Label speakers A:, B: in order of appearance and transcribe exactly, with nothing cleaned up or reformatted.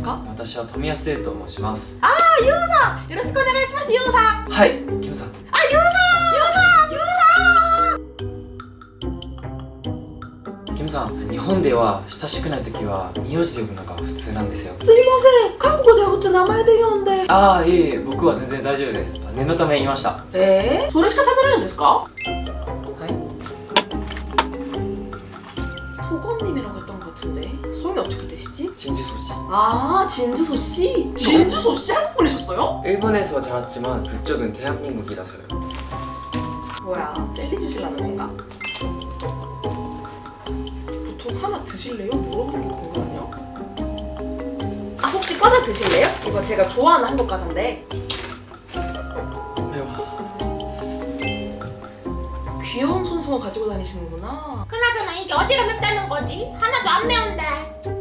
A: か？
B: 私は富安生と申します。
A: あー、ユウさん、よろしくお願いします。ユウさん。
B: はい、キムさん。
A: あ、ユウさん、ユウさん、ユウさん。
B: キムさん、日本では親しくないときは名字で呼ぶのが普通なんですよ。
A: すいません、韓国ではうち名前で呼んで。
B: ああ、いえいえ、僕は全然大丈夫です。念のため言いました。
A: えー、それしか食べないんですか？
B: はい。
A: 소건님이라고 했던 것 같은데 성이 어떻게 되시지?
B: 진주소씨.
A: 아, 진주소씨? 진주소씨 한국 분이셨어요?
C: 일본에서 자랐지만 국적은 대한민국이라서요.
A: 뭐야, 젤리 주실라는 건가? 보통 하나 드실래요? 물어보는 게 궁금하네요. 아, 혹시 과자 드실래요? 이거 제가 좋아하는 한국 과자인데.
C: 매워.
A: 귀여운 손수건 가지고 다니시는구나.
D: 그나저나 이게 어디가 맵다는 거지? 하나도 안 매운데.